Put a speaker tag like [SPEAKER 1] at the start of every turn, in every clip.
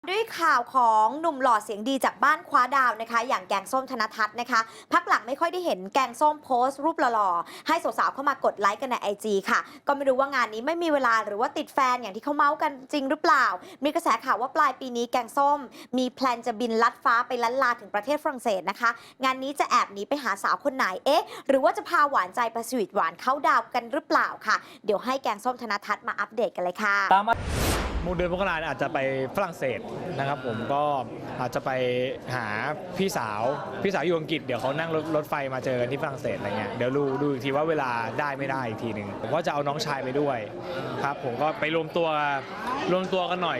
[SPEAKER 1] ด้วยข่าวของหนุ่มหล่อเสียงดีจากบ้านคว้าดาวนะคะอย่างแกงส้มธนทัศน์นะคะพักหลังไม่ค่อยได้เห็นแกงส้มโพสต์รูปหล่อๆให้สาวๆเข้ามากดไลค์กันใน IG ค่ะก็ไม่รู้ว่างานนี้ไม่มีเวลาหรือว่าติดแฟนอย่างที่เขาเมาส์กันจริงหรือเปล่ามีกระแสข่าวว่าปลายปีนี้แกงส้มมีแพลนจะบินลัดฟ้าไปลัดลาถึงประเทศฝรั่งเศสนะคะงานนี้จะแอบหนีไปหาสาวคนไหนหรือว่าจะพาหวานใจไปสวีทหวานเข้าดาวกันหรือเปล่าค่ะเดี๋ยวให้แกงส้มธนทัศน์มาอัปเดตกันเลยค่ะ
[SPEAKER 2] เดือนมกราอาจจะไปฝรั่งเศสนะครับผมก็อาจจะไปหาพี่สาวอยู่อังกฤษเดี๋ยวเขานั่งรถไฟมาเจอกันที่ฝรั่งเศสอะไรเงี้ยเดี๋ยวดูอีกทีว่าเวลาได้ไม่ได้อีกทีหนึ่งผมก็จะเอาน้องชายไปด้วยครับผมก็ไปรวมตัวกันหน่อย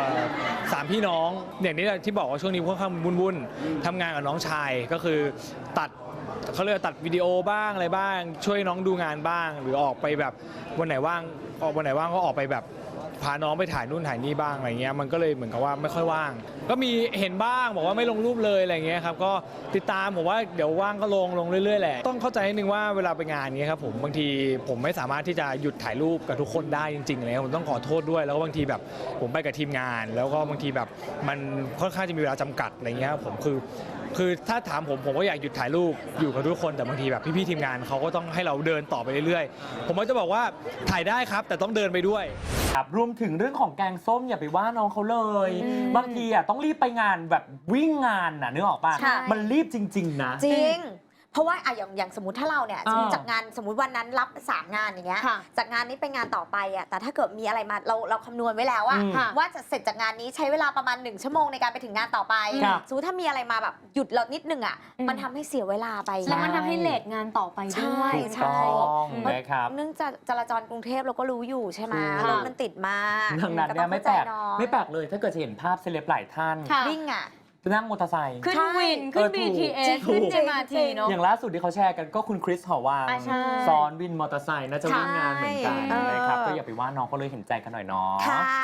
[SPEAKER 2] 3พี่น้องอย่างนี้ที่บอกว่าช่วงนี้ค่อนข้างวุ่นทำงานกับน้องชายก็คือเขาเรียกตัดวิดีโอบ้างอะไรบ้างช่วยน้องดูงานบ้างหรือออกไปแบบวันไหนว่างก็ออกไปแบบพาน้องไปถ่ายนู่นถ่ายนี่บ้างอะไรเงี้ยมันก็เลยเหมือนกับว่าไม่ค่อยว่างก็มีเห็นบ้างบอกว่าไม่ลงรูปเลยอะไรเงี้ยครับก็ติดตามผมว่าเดี๋ยวว่างก็ลงเรื่อยๆแหละต้องเข้าใจนิดนึงว่าเวลาไปงานนี้ครับผมบางทีผมไม่สามารถที่จะหยุดถ่ายรูปกับทุกคนได้จริงๆเลยผมต้องขอโทษด้วยแล้วก็บางทีแบบผมไปกับทีมงานแล้วก็บางทีแบบมันค่อนข้างจะมีเวลาจำกัดอะไรเงี้ยผมคือถ้าถามผมก็อยากหยุดถ่ายรูปอยู่กับทุกคนแต่บางทีแบบพี่ๆทีมงานเขาก็ต้องให้เราเดินต่อไปเรื่อยๆผมก็จะบอกว่าถ่ายได้ครับแต่ต้องเดินไปด้วย
[SPEAKER 3] ครับรวมถึงเรื่องของแกงส้มอย่าไปว่าน้องเขาเลยบางทีต้องรีบไปงานแบบวิ่งงานนึกออกป่ะมันรีบจริงๆนะ
[SPEAKER 1] จริงเพราะว่าอย่างสมมติถ้าเราเนี่ยจากงานสมมติวันนั้นรับ3 งานอย่างเงี้ยจากงานนี้ไปงานต่อไปแต่ถ้าเกิดมีอะไรมาเราคำนวณไว้แล้วว่าจะเสร็จจากงานนี้ใช้เวลาประมาณ1 ชั่วโมงในการไปถึงงานต่อไปสมมติถ้ามีอะไรมาแบบหยุดเรานิดนึงมันทำให้เสียเวลาไป
[SPEAKER 4] แล้วมันทำให้เลทงานต่อไปด้วย
[SPEAKER 1] ใช่
[SPEAKER 3] นะครับ
[SPEAKER 1] เนื่องจากจราจรกรุงเทพเราก็รู้อยู่ใช่ไหมรถมันติดมาก
[SPEAKER 3] ดังนั้นเนี่ยไม่แปลกเลยถ้าเกิดจะเห็นภาพเซเลบหลายท่าน
[SPEAKER 1] วิ่ง
[SPEAKER 3] นั่งมอเตอร์ไซค์
[SPEAKER 4] ขึ้นวินขึ้น BTS ขึ้น MRT เนาะ
[SPEAKER 3] อย่างล่าสุดที่เขาแชร์กันก็คุณคริสหอวังซ้อนวินมอเตอร์ไซค์น่าจะวิ่งงานเหมือนกันนะครับก็อย่าไปว่าน้องเขาเลยเห็นใจกันหน่อยเนาะ